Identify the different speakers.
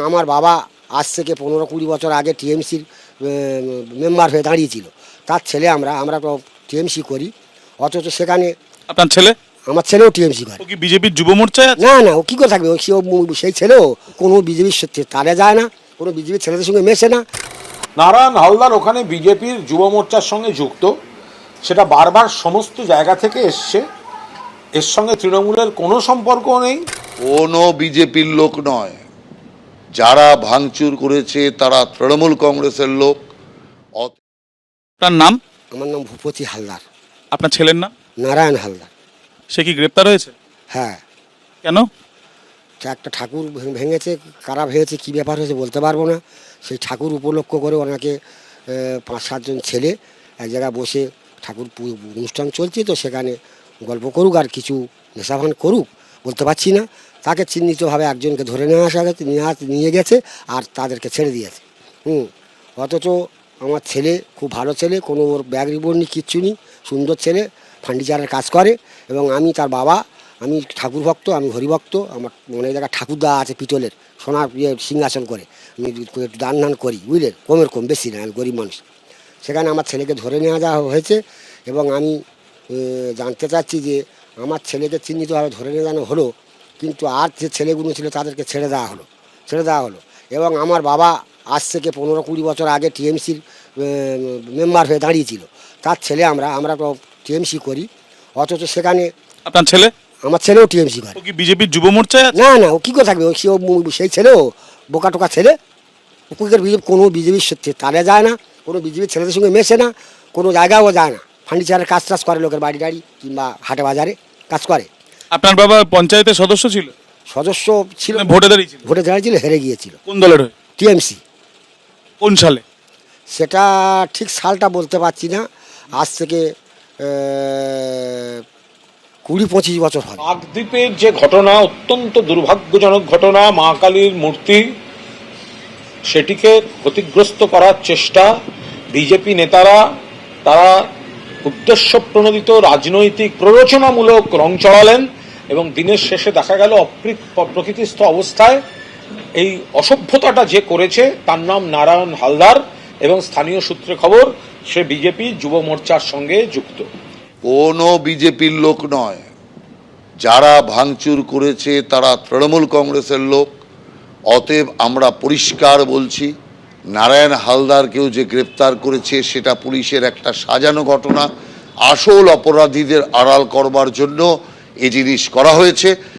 Speaker 1: আমার বাবা আজ থেকে 15-20 বছর আগে টিএমসির মেম্বার হয়ে দাঁড়িয়েছিল। তার ছেলে আমরা তো টিএমসি করি, অথচ সেখানে
Speaker 2: আপনার ছেলে?
Speaker 1: আমার ছেলেও টিএমসি করে।
Speaker 2: ও কি বিজেপির যুব মোর্চায় আছে?
Speaker 1: না না, ও কী করে থাকবে? সেই ছেলেও কোনো বিজেপির তারে যায় না, কোনো বিজেপির ছেলেদের সঙ্গে মেশে না।
Speaker 3: নারায়ণ হালদার ওখানে বিজেপির যুব মোর্চার সঙ্গে যুক্ত, সেটা বারবার সমস্ত জায়গা থেকে এসছে। এর সঙ্গে তৃণমূলের কোনো সম্পর্ক নেই।
Speaker 4: কোনো বিজেপির লোক নয়, যারা ভাঙচুর করেছে তারা তৃণমূল কংগ্রেসের লোক।
Speaker 2: আপনার নাম?
Speaker 1: আমার নাম ভূপতি হালদার।
Speaker 2: আপনার ছেলের নাম?
Speaker 1: নারায়ণ হালদার।
Speaker 2: সে কি গ্রেপ্তার হয়েছে?
Speaker 1: হ্যাঁ।
Speaker 2: কেন?
Speaker 1: একটা ঠাকুর ভেঙেছে, কারা ভেঙেছে, কী ব্যাপার হয়েছে বলতে পারবো না। সেই ঠাকুর উপলক্ষ করে ওনাকে 5-7 জন ছেলে এক জায়গায় বসে, ঠাকুর অনুষ্ঠান চলছে তো সেখানে গল্প করুক আর কিছু নেশাভান করুক, বলতে পারছি না। তাকে চিহ্নিতভাবে একজনকে ধরে নিয়ে গেছে আর তাদেরকে ছেড়ে দিয়েছে। অথচ আমার ছেলে খুব ভালো ছেলে, কোনো ওর ব্যাগ রিপোর্ট নেই, কিচ্ছু নেই, সুন্দর ছেলে, ফার্নিচারের কাজ করে। এবং আমি তার বাবা, আমি ঠাকুর ভক্ত, আমি হরিভক্ত। আমার অনেক জায়গায় ঠাকুর দেওয়া আছে পিতলের, সোনার সিংহাসন করে। আমি একটু দান করি, বুঝলেন, কম বেশি না, আমি গরিব মানুষ। সেখানে আমার ছেলেকে ধরে নিয়ে যাওয়া হয়েছে এবং আমি জানতে চাচ্ছি যে আমার ছেলেকে চিহ্নিতভাবে ধরে নিয়ে যাওয়া হলো, কিন্তু আর যে ছেলেগুলো ছিল তাদেরকে ছেড়ে দেওয়া হলো। এবং আমার বাবা আজ থেকে 15-20 বছর আগে টিএমসির মেম্বার হয়ে দাঁড়িয়েছিল। তার ছেলে আমরা তো টিএমসি করি, অথচ সেখানে
Speaker 2: আপনার ছেলে?
Speaker 1: আমার ছেলেও টিএমসি করে।
Speaker 2: ও কি বিজেপির যুব মোর্চায় আছে?
Speaker 1: না না, ও কী করে থাকবে? সেই ছেলেও বোকা টোকা ছেলে। কোনো বিজেপির তারে যায় না, কোনো বিজেপির ছেলেদের সঙ্গে মেশে না, কোনো জায়গায়ও যায় না। ফার্নিচারের কাজ করে, লোকের বাড়ি কিংবা হাটে বাজারে কাজ করে।
Speaker 2: আপনার বাবা পঞ্চায়েতের সদস্য ছিল?
Speaker 1: সদস্য ছিল,
Speaker 2: ভোটে দাঁড়িয়েছিল?
Speaker 1: ভোটে দাঁড়িয়েছিল, হেরে গিয়েছিল।
Speaker 2: কোন দলের হয়ে?
Speaker 1: টিএমসি।
Speaker 2: কোন সালে?
Speaker 1: সেটা ঠিক সালটা বলতে পারছি না, আজ থেকে 20-25 বছর হয়।
Speaker 3: কাকদ্বীপের যে ঘটনা, অত্যন্ত দুর্ভাগ্যজনক ঘটনা, মা কালীর মূর্তি, সেটিকে ক্ষতিগ্রস্ত করার চেষ্টা বিজেপি নেতারা, তারা উদ্দেশ্য প্রণোদিত রাজনৈতিক প্ররোচনামূলক রং চড়ালেন এবং দিনের শেষে দেখা গেল প্রকৃতিস্থ অবস্থায় এই অসভ্যতাটা যে করেছে তার নাম নারায়ণ হালদার এবং স্থানীয় সূত্রে খবর সে বিজেপি যুব মোর্চার সঙ্গে যুক্ত।
Speaker 4: কোনো বিজেপির লোক নয়, যারা ভাঙচুর করেছে তারা তৃণমূল কংগ্রেসের লোক। অতএব আমরা পরিষ্কার বলছি, নারায়ণ হালদারকেও যে গ্রেপ্তার করেছে সেটা পুলিশের একটা সাজানো ঘটনা। আসল অপরাধীদের আড়াল করবার জন্য এই জিনিস করা হয়েছে।